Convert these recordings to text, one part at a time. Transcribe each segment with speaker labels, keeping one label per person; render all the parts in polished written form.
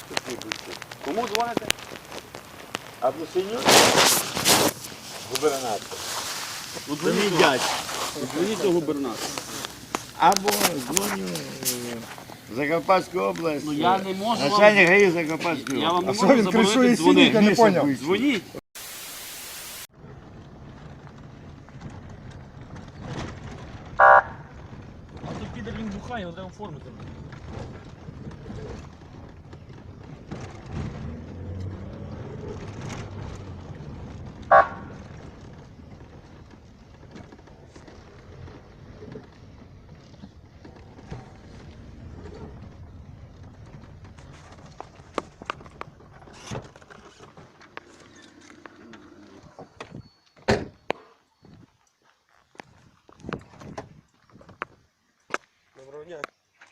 Speaker 1: Кому дзвоните?
Speaker 2: Або синю? Губернатор. Це мій дядь.
Speaker 1: Дзвоніть до губернатора.
Speaker 2: Або дзвоню в Закарпатську область.
Speaker 1: Ну я не можу вам...
Speaker 2: Начальник ГАІ Закарпатської
Speaker 1: Я вам
Speaker 2: області.
Speaker 1: не можу заборонити дзвонити.
Speaker 3: Я не понял.
Speaker 1: Дзвоніть. А то підер він бухає, його треба оформити.
Speaker 4: Доброго дня.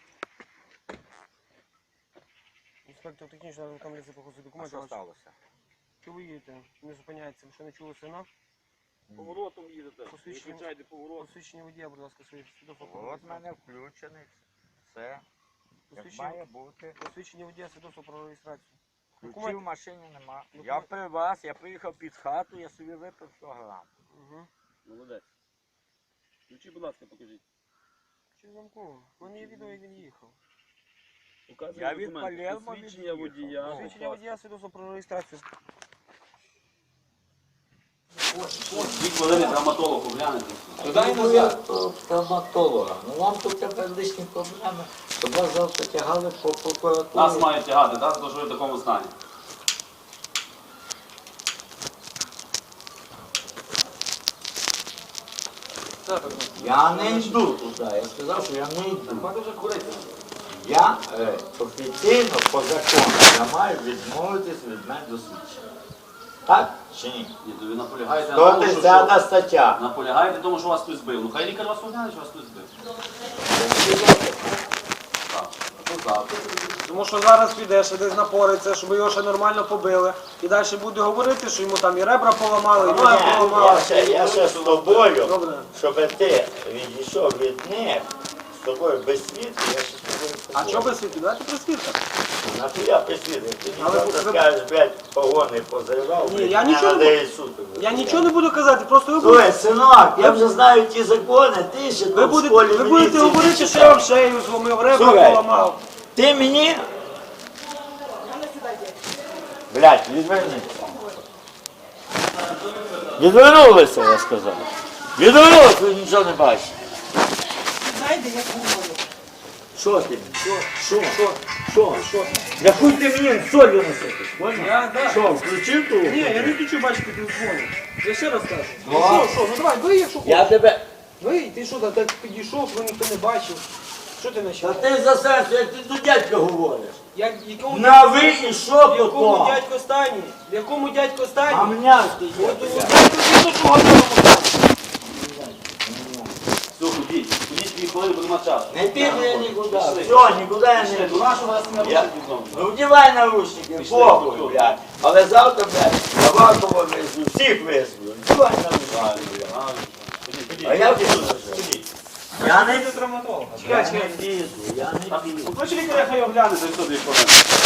Speaker 4: Інспектор технічного рекомендації по ходу документів.
Speaker 5: Що сталося?
Speaker 4: Що ви їдете? Не зупиняється, ви що не чули сигнал?
Speaker 1: Поворотом їдете.
Speaker 4: Посвідчення.
Speaker 1: Виключайте поворот.
Speaker 4: Посвідчення водія, будь ласка, своє свідоцтво.
Speaker 5: От в мене включений. Все. Як має бути.
Speaker 4: Посвідчення водія, свідоцтво про реєстрацію.
Speaker 5: Ключів в машині нема. Я при вас, я приїхав під хату, я собі випив 100 грам.
Speaker 4: Угу.
Speaker 1: Молодець. Ключі, будь ласка, покажіть.
Speaker 4: Чи замку? У мене є відео, як він їхав.
Speaker 1: Показує
Speaker 5: Я від
Speaker 1: документи.
Speaker 5: Палермо
Speaker 1: Посвідчення
Speaker 5: від'їхав.
Speaker 1: водія.
Speaker 4: Посвідчення водія, свідоцтво про реєстрацію.
Speaker 1: Дві хвилини травматологу глянете.
Speaker 6: Дай назад травматолога. Ну вам тут тепер лишні проблеми, щоб вас завтра тягали по
Speaker 1: Нас
Speaker 6: прокуратурі.
Speaker 1: мають тягати, так? Тому що ви в такому стані.
Speaker 6: Я не йду туди. Я сказав, що я не йду.
Speaker 1: Мати вже курити.
Speaker 6: Я офіційно по закону я маю відмовитись від медосвідчення. Так чи ні?
Speaker 1: Ні, то ви наполягаєте на тому, що...
Speaker 6: 110 стаття.
Speaker 1: Наполягаєте тому, що вас хтось збив. Ну хай лікар вас огляне, що вас хтось збив. Так, а то завтра.
Speaker 4: Тому що зараз піде, ще десь напориться, щоб його ще нормально побили. І далі буде говорити, що йому там і ребра поламали, і ноги поламали.
Speaker 2: Я ще з тобою,
Speaker 4: Добре.
Speaker 2: щоб ти відійшов від них, з тобою без свідки, я ще з тобою
Speaker 4: А чого без світу? Давайте при свідках.
Speaker 2: Нахуя присвідок? Ти
Speaker 4: Але
Speaker 2: завтра
Speaker 4: ви-
Speaker 2: скажеш, блядь, погони позривав,
Speaker 4: Ні,
Speaker 2: блядь,
Speaker 4: я
Speaker 2: мене
Speaker 4: нічого не
Speaker 2: надає суд.
Speaker 4: Я нічого не буду казати, просто ви будете,
Speaker 2: Слухай, синок, я вже знаю ті закони, ти ще
Speaker 4: ви
Speaker 2: там в
Speaker 4: будете,
Speaker 2: школі
Speaker 4: ви будете
Speaker 2: міліції
Speaker 4: говорити,
Speaker 2: не
Speaker 4: що я вам
Speaker 2: читав.
Speaker 4: шею зломив, ребра
Speaker 2: Слухай.
Speaker 4: поламав.
Speaker 2: Ти мені? Блядь, відвернися. Відвернулися, я сказав. Відвернулися, ви нічого не бачите. Що ти? Що? Я хуй ти мені солью насипиш, понял?
Speaker 4: Да.
Speaker 2: Що, включив ту?
Speaker 4: Ні, я не хочу бачити ти дзвони. Я ще раз кажу.
Speaker 2: Ну,
Speaker 4: Ну давай, вий, якщо
Speaker 2: Я
Speaker 4: хочеш.
Speaker 2: тебе...
Speaker 4: Вий, ти що, так підійшов, що ніхто не бачив. Що ти
Speaker 2: Та
Speaker 4: почав?
Speaker 2: ти за серце, як ти до дядька говориш.
Speaker 4: Якому
Speaker 2: На ви і що
Speaker 4: якому
Speaker 2: потом?
Speaker 4: дядько стані? Якому дядько
Speaker 2: А
Speaker 4: стані?
Speaker 2: мене ти є,
Speaker 4: От
Speaker 2: блядь.
Speaker 4: до чого
Speaker 1: Все, ходіть. Ходіть 2 хвилини, будемо часу.
Speaker 2: Не піду я нікуди.
Speaker 1: Пішли.
Speaker 2: Все, нікуди я не
Speaker 1: Пішли,
Speaker 2: йду.
Speaker 1: до нашого вас не
Speaker 2: Я-
Speaker 1: робити знову.
Speaker 2: Ну вдівай наручники,
Speaker 1: Пішли,
Speaker 2: похуй,
Speaker 1: пішли.
Speaker 2: блядь. Але завтра, блядь, Авакова везу, всіх везу. Вдівай наручники, блядь.
Speaker 1: Ходіть, ходіть.
Speaker 2: А я піду. Я не піду.
Speaker 4: травматолога?
Speaker 2: Я не піду, я не
Speaker 1: Так,
Speaker 2: піду.
Speaker 1: покличе лікаря, хай огляне за 2 хвилини.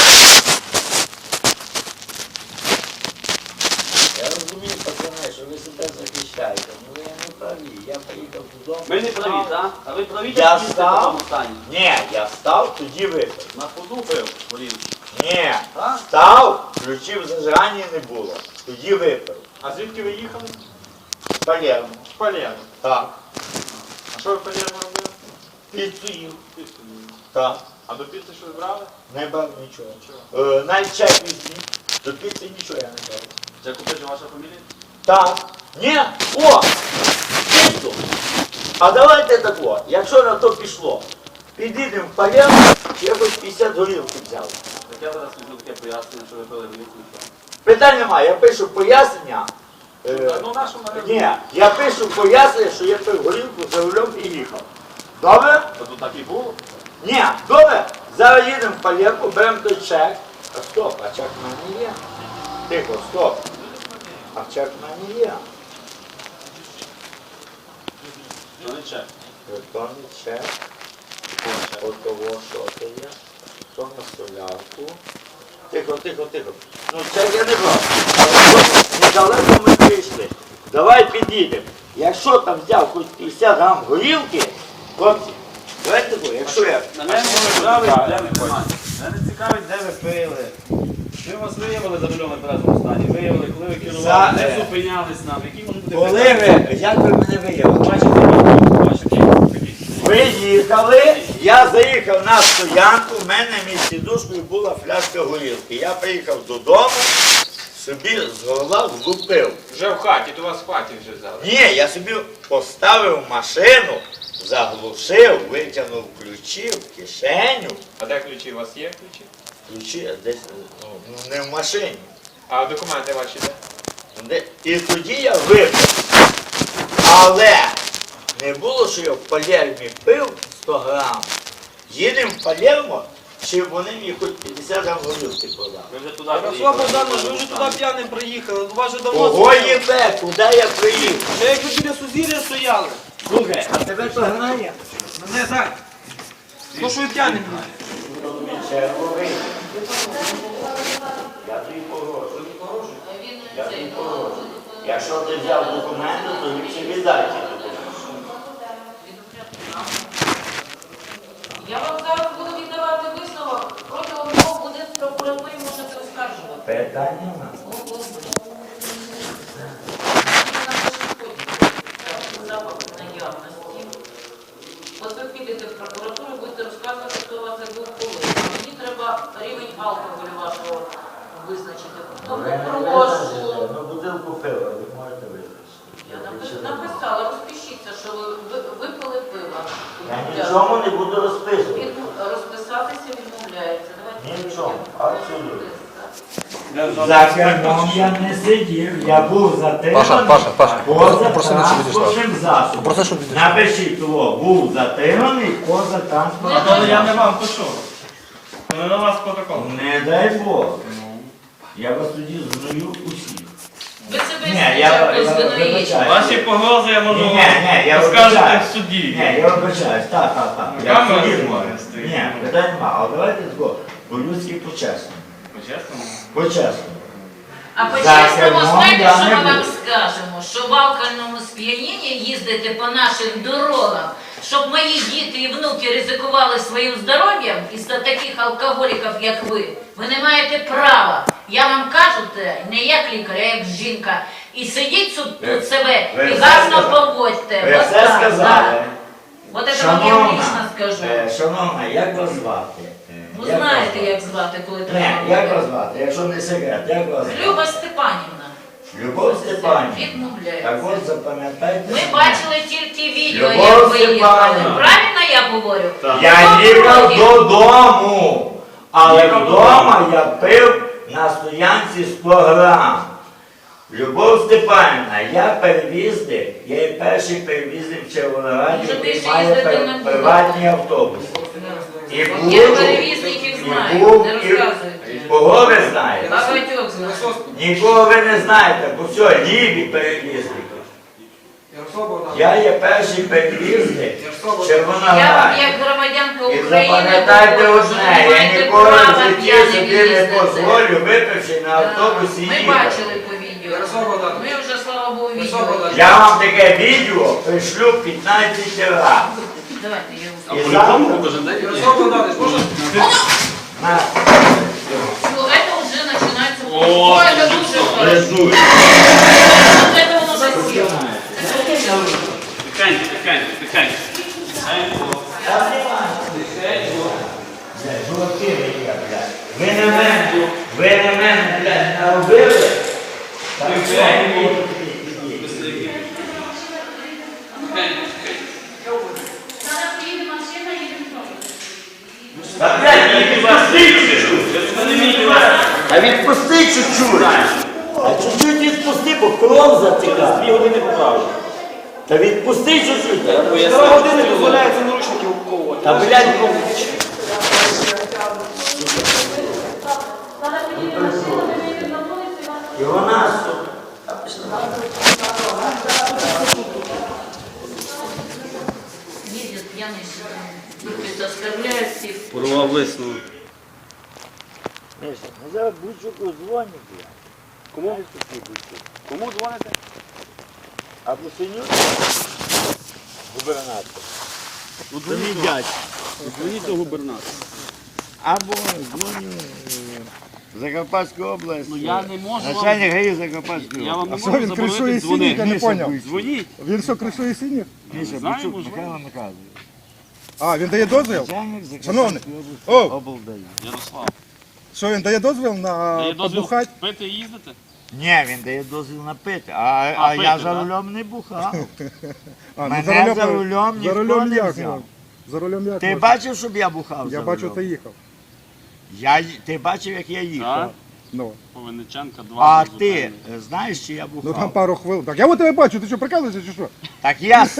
Speaker 2: Я розумію, пацани, що ви себе захищаєте, але я не праві. Я поїхав додому.
Speaker 1: Ми не праві, так? А ви праві,
Speaker 2: Я
Speaker 1: як їздите в
Speaker 2: став.
Speaker 1: такому стані?
Speaker 2: Ні, я став, тоді випив.
Speaker 1: На ходу пив, блін.
Speaker 2: Ні,
Speaker 1: Так?
Speaker 2: став, ключів зажигання не було. Тоді випив.
Speaker 3: А звідки ви їхали?
Speaker 2: Палермо.
Speaker 3: В Палермо.
Speaker 2: Так.
Speaker 3: А що ви в Палермо робили?
Speaker 2: Піцу їв. Так.
Speaker 3: А до піци щось брали?
Speaker 2: Не брав нічого. Навіть чай візьміть. До піци нічого я не брав.
Speaker 1: Це купить ваша фамілія?
Speaker 2: Так. Ні. О! Піцу. А давайте тако, якщо на то пішло, підійдемо в Палермо, я хоч 50 горілки взяв.
Speaker 1: Так я зараз візьму таке пояснення, що ви пили горілку.
Speaker 2: Питань немає, я пишу пояснення.
Speaker 3: Ну нашому
Speaker 2: Ні, я пишу пояснення, що я пив горілку за рулем і їхав. Добре?
Speaker 1: То тут так і було?
Speaker 2: Ні, добре. Зараз їдемо в Палермо, беремо той чек. А стоп, а чек в мене є. Тихо, стоп. А чек в мене є.
Speaker 1: Що не чек?
Speaker 2: Електронний чек. От того, що це є. То на солярку. Тихо. Ну це я не брав. Але ось недалеко ми прийшли. Давай підійдемо. Якщо там взяв хоч 50 грам горілки, хлопці, давайте тако, якщо я...
Speaker 1: Мене цікавить, де ви пили. Ми вас виявили за рулем в неперезному стані. Виявили, коли ви керували, не зупинялись нам. Які можуть бути
Speaker 2: Коли ви, як ви мене виявили?
Speaker 1: Бачите,
Speaker 2: Ви їхали, я заїхав на стоянку, в мене між сідушкою була фляжка горілки. Я приїхав додому, собі з горла влупив.
Speaker 3: Вже в хаті, то вас в хаті вже взяли.
Speaker 2: Ні, я собі поставив машину, заглушив, витягнув ключі в кишеню.
Speaker 3: А де ключі? У вас є ключі?
Speaker 2: Ключі десь ну, не в машині.
Speaker 3: А документи ваші де?
Speaker 2: І тоді я випив. Але не було, що я в Палермі пив 100 грам. Їдемо в Палермо, чи вони мені хоч 50 грам горілки продали.
Speaker 1: ви вже туди
Speaker 4: Ярослав
Speaker 1: приїхали.
Speaker 4: Богданович, ви вже туди п'яним приїхали. У вас же давно
Speaker 2: Кого їбе, куди я приїхав?
Speaker 4: Ще як ви біля Сузір'я стояли.
Speaker 2: Слухай, а тебе то грає?
Speaker 4: Мене так. Ну що ви п'яним були?
Speaker 2: Черговий. Я тобі погрожую. Я тобі погрожую. Якщо ти взяв документи, то ліпше віддай ті документи.
Speaker 7: Я вам зараз буду віддавати висновок, протягом мого буде в прокуратурі можете оскаржувати.
Speaker 2: Питання нема.
Speaker 7: Запах наявності. От ви підете в прокуратуру, будете розказувати, хто у вас як був коли. Мені треба рівень алкоголю вашого визначити. Тому прошу.
Speaker 2: Ну, бутилку пива, ви можете визначити.
Speaker 7: Я написала, розпишіться, що ви випили пива.
Speaker 2: Я нічому не буду розписувати.
Speaker 7: Розписатися відмовляється. Давайте
Speaker 2: Нічого, абсолютно.
Speaker 1: За
Speaker 2: За кермом я не сидів, я був затриманий
Speaker 8: Паша,
Speaker 2: поза
Speaker 8: попроси, щоб відійшла.
Speaker 2: транспортним засобом.
Speaker 8: Попроси, щоб відійшла.
Speaker 2: Напишіть того, був затриманий поза транспортним
Speaker 1: коли я не
Speaker 2: засобом.
Speaker 1: вам, то що? Коли на вас протокол.
Speaker 2: Не дай Бог. Я вас тоді згною усіх.
Speaker 7: Ви себе
Speaker 2: Ні, я
Speaker 7: спочатку звинуєте.
Speaker 2: вибачаю.
Speaker 1: Ваші погрози я можу
Speaker 2: Ні, я
Speaker 1: розказати
Speaker 2: вибачаю.
Speaker 1: в суді.
Speaker 2: Ні, я вибачаюсь, так. Я в
Speaker 1: Камера
Speaker 2: суді
Speaker 1: знімає,
Speaker 2: можу.
Speaker 1: стоїть.
Speaker 2: Ні, питань нема. Але давайте тако, по-людськи по-чесному.
Speaker 1: По-чесному?
Speaker 2: По-чесному.
Speaker 7: А
Speaker 2: За
Speaker 7: по-чесному,
Speaker 2: кермом
Speaker 7: знаєте,
Speaker 2: я
Speaker 7: що
Speaker 2: не
Speaker 7: ми вам
Speaker 2: буду.
Speaker 7: скажемо? Що в алкогольному сп'янінні їздити по наших дорогах, щоб мої діти і внуки ризикували своїм здоров'ям із-за таких алкоголіків, як ви не маєте права. Я вам кажу це не як лікар, а як жінка. І сидіть тут себе
Speaker 2: ви
Speaker 7: і
Speaker 2: все
Speaker 7: гарно
Speaker 2: сказали.
Speaker 7: поводьте.
Speaker 2: Ви
Speaker 7: От
Speaker 2: все
Speaker 7: так,
Speaker 2: сказали.
Speaker 7: так. От це вам я лично скажу.
Speaker 2: Шановна, як вас звати?
Speaker 7: Ви
Speaker 2: Як
Speaker 7: знаєте,
Speaker 2: вас звати?
Speaker 7: як звати, коли
Speaker 2: Ні,
Speaker 7: треба.
Speaker 2: як вас
Speaker 7: говорити.
Speaker 2: звати? Якщо не секрет, як вас звати?
Speaker 7: Люба Степанівна.
Speaker 2: Любов Степанівна.
Speaker 7: Відмовляється.
Speaker 2: Так от запам'ятайте.
Speaker 7: Ми
Speaker 2: мене.
Speaker 7: бачили тільки відео,
Speaker 2: Любов
Speaker 7: як ви їхали.
Speaker 2: Степанівна.
Speaker 7: Правильно я говорю?
Speaker 2: Я
Speaker 7: Хто
Speaker 2: їхав
Speaker 7: проти?
Speaker 2: додому, але
Speaker 1: Їхав
Speaker 2: вдома я пив на стоянці 100 грам. Любов Степанівна, я перевізник, я є перший перевізник в Червонограді,
Speaker 7: Може,
Speaker 2: який
Speaker 7: більше
Speaker 2: має
Speaker 7: їздити не буде.
Speaker 2: приватні автобуси. І
Speaker 7: Я
Speaker 2: був,
Speaker 7: перевізників
Speaker 2: і
Speaker 7: знаю,
Speaker 2: був,
Speaker 7: не
Speaker 2: і
Speaker 7: розказуйте.
Speaker 2: кого ви знаєте?
Speaker 7: Багатьох знаю.
Speaker 2: Нікого ви не знаєте, бо все, ліві перевізники.
Speaker 4: Ярослав Богданович.
Speaker 2: Я є перший перевізник в
Speaker 7: Я
Speaker 2: Червонограді.
Speaker 7: як громадянка
Speaker 2: І
Speaker 7: України
Speaker 2: запам'ятайте
Speaker 7: говорю,
Speaker 2: одне,
Speaker 7: що ви
Speaker 2: я
Speaker 7: маєте
Speaker 2: ніколи в
Speaker 7: право
Speaker 2: житті
Speaker 7: п'яним
Speaker 2: собі не
Speaker 7: їздити.
Speaker 2: дозволю, випивши на автобусі
Speaker 7: Ми
Speaker 2: їхати.
Speaker 7: бачили по відео.
Speaker 4: Ярослав Богданович.
Speaker 7: Ми вже, слава Богу,
Speaker 4: Ярослав
Speaker 7: відео.
Speaker 4: Богданович.
Speaker 2: Я вам таке відео пришлю 15 разів.
Speaker 7: Давайте, я
Speaker 2: І
Speaker 7: вам
Speaker 2: завтра
Speaker 4: Ярослав Богданович, можна?
Speaker 2: на
Speaker 7: Ну, это уже начинается.
Speaker 1: О,
Speaker 7: Ой, это дуже хорошо.
Speaker 2: лежу.
Speaker 7: Вот это воно засіло.
Speaker 1: Тихенько.
Speaker 2: Жовті ви є, блядь. Ви на мене, блядь, наробили. Так що не можете сидіти. Та, блядь, відпусти чуть-чуть. А відпусти чуть-чуть. А чуть-чуть відпусти, бо кров затікає.
Speaker 1: 2 години поправлю.
Speaker 2: Та відпусти чуть-чуть.
Speaker 4: 2 години дозволяється наручники вковувати.
Speaker 2: Та, блядь, і вона, сука.
Speaker 7: Їздять п'яний, оскорбляють всіх.
Speaker 1: Порвав висновок.
Speaker 6: Миша, ну зараз Бучуку дзвонить, блядь.
Speaker 1: Кому?
Speaker 6: Знаєш, такий Бучук?
Speaker 1: Кому дзвоните?
Speaker 6: Або Синюк, губернатор. Це мій дядь.
Speaker 1: Дзвоніть до губернатора.
Speaker 6: Або дзвоню в Закарпатську область.
Speaker 1: Ну я не можу вам...
Speaker 6: Начальник ГАІ Закарпатської
Speaker 1: Я вам
Speaker 6: області.
Speaker 1: не можу заборонити дзвонити.
Speaker 8: Я не поняв.
Speaker 1: Дзвоніть.
Speaker 8: Він що, кришує синіх?
Speaker 6: Міша
Speaker 1: знаю,
Speaker 6: Бучук,
Speaker 1: можливо.
Speaker 6: Михайло Михайлович.
Speaker 8: А, він дає дозвіл?
Speaker 6: Начальник
Speaker 8: Шановний,
Speaker 6: Закарпатської області.
Speaker 8: о!
Speaker 6: Облдаю.
Speaker 1: Ярослав.
Speaker 8: Що він дає дозвіл на
Speaker 1: Дає дозвіл
Speaker 8: побухати?
Speaker 1: пити і їздити?
Speaker 6: Ні, він дає дозвіл на пити, а
Speaker 1: пити,
Speaker 6: я за
Speaker 1: да?
Speaker 6: рулем не бухав.
Speaker 8: А, ну,
Speaker 6: Мене за рулем
Speaker 8: за
Speaker 6: ніхто
Speaker 8: рулем
Speaker 6: не
Speaker 8: як
Speaker 6: взяв.
Speaker 8: можна? За рулем як
Speaker 6: Ти
Speaker 8: можна?
Speaker 6: бачив, щоб я бухав
Speaker 8: Я
Speaker 6: за
Speaker 8: бачу,
Speaker 6: рулем?
Speaker 8: ти їхав.
Speaker 6: Ти бачив, як я їхав?
Speaker 1: Так.
Speaker 8: Ну,
Speaker 1: Повинниченка 2.
Speaker 6: А ти знаєш, чи я
Speaker 8: ну там
Speaker 6: бухав?
Speaker 8: пару хвилин. Так я от тебе бачу, ти що, прикалуєшся чи що?
Speaker 6: Так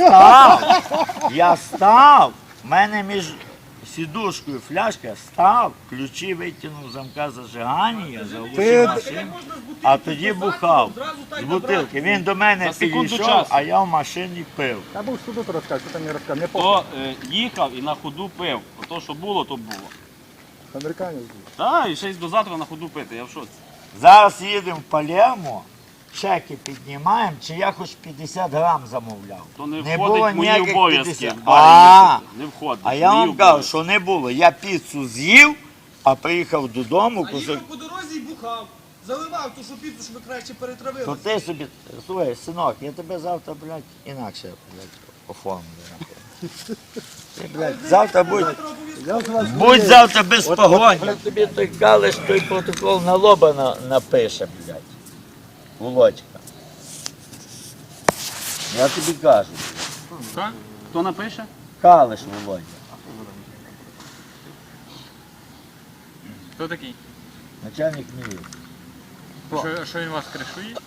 Speaker 6: я став, в мене між сідушкою фляжка став, ключі витягнув з замка зажигання, заглушив машину, а тоді бухав з бутилки. Він до мене
Speaker 1: За секунду
Speaker 6: підійшов,
Speaker 1: часу.
Speaker 6: а я в машині пив.
Speaker 8: Я був суду то розказати, що там не розказав. Не похуй.
Speaker 1: Хто їхав і на ходу пив. То, що було, то було.
Speaker 8: Американець був.
Speaker 1: Так, і ще й до завтра на ходу пити, я в шоці.
Speaker 6: Зараз їдемо в Палермо, чеки піднімаємо, чи я хоч 50 грам замовляв.
Speaker 1: То не
Speaker 6: Не
Speaker 1: входить
Speaker 6: було
Speaker 1: в мої
Speaker 6: ніяких
Speaker 1: обов'язки.
Speaker 6: 50.
Speaker 1: в барі їздити. Не входить.
Speaker 6: А
Speaker 1: в
Speaker 6: я
Speaker 1: мої
Speaker 6: вам кажу,
Speaker 1: обов'язки.
Speaker 6: що не було. Я піцу з'їв, а приїхав додому, кусок.
Speaker 4: по дорозі і бухав. Заливав ту шупіцу, щоб краще перетравили.
Speaker 6: То ти собі, слухай, синок, я тебе завтра, блядь, інакше, блядь, оформлю. Ти, блядь, завтра будь завтра без погоні. Тобі той калиш, той протокол на лоба напише, блядь. Володька. Я тобі кажу,
Speaker 1: Так? Хто напише?
Speaker 6: калиш, Володя.
Speaker 3: Хто такий?
Speaker 6: Начальник міліції.
Speaker 3: Що він вас кришує?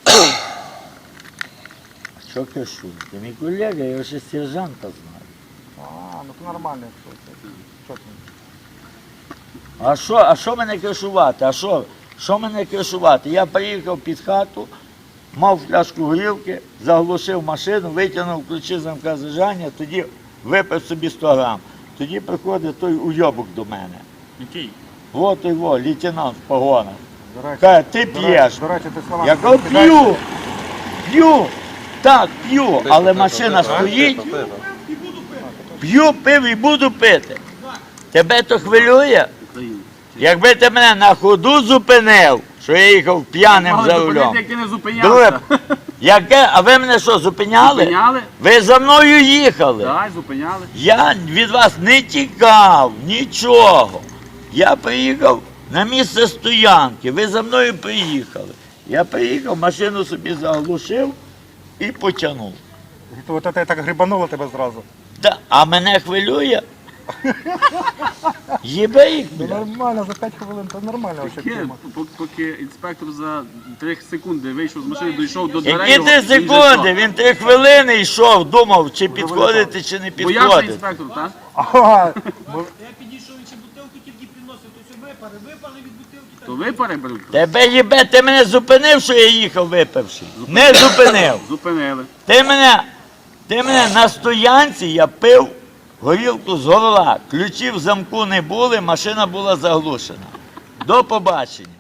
Speaker 6: Що кажу? Ти мій колега, я його ще сержанта знаю.
Speaker 8: А, ну то нормально, якщо це. Що ти?
Speaker 6: А що мене кришувати? Що мене кришувати? Я приїхав під хату, мав фляжку горілки, заглушив машину, витягнув ключі з замка зажигання, тоді випив собі 100 грам. Тоді приходить той уйобок до мене.
Speaker 1: Який?
Speaker 6: Вот його, лейтенант в погонах.
Speaker 8: До речі,
Speaker 6: Каже, ти п'єш.
Speaker 8: До речі, ти слова.
Speaker 6: Я кажу, п'ю, так, п'ю, але машина стоїть. П'ю, і буду пити. Тебе то хвилює?
Speaker 1: Україна.
Speaker 6: Якби ти мене на ходу зупинив, що я їхав п'яним
Speaker 1: Мали
Speaker 6: за
Speaker 1: зупинити,
Speaker 6: рулем.
Speaker 1: як ти не
Speaker 6: Друге,
Speaker 1: зупинявся.
Speaker 6: а ви мене що, зупиняли?
Speaker 1: Зупиняли?
Speaker 6: Ви за мною їхали.
Speaker 1: Так, зупиняли.
Speaker 6: Я від вас не тікав, нічого. Я приїхав на місце стоянки, ви за мною приїхали. Я приїхав, машину собі заглушив і потягнув.
Speaker 8: То от це так грибануло тебе зразу.
Speaker 6: А мене хвилює? Їбе їх,
Speaker 8: Ну
Speaker 6: бля.
Speaker 8: нормально, за 5 хвилин, то нормально вообще
Speaker 1: Поки,
Speaker 8: тема.
Speaker 1: поки інспектор за 3 секунди вийшов з машини, дійшов до дверей.
Speaker 6: Які 3
Speaker 1: він вже
Speaker 6: секунди?
Speaker 1: що?
Speaker 6: Він 3 хвилини йшов, думав, чи підходити, чи не
Speaker 1: Боявся
Speaker 6: підходити.
Speaker 1: інспектор, так?
Speaker 8: Ага,
Speaker 4: Я підійшов, і чи бутилки тільки приносив, то все випали від бутилки.
Speaker 1: То ви переберуть?
Speaker 6: Тебе їбе, ти мене зупинив, що я їхав випивши? Не зупинив.
Speaker 1: Зупинили.
Speaker 6: Ти мене на стоянці, я пив горілку з горла. Ключів в замку не були, машина була заглушена. До побачення.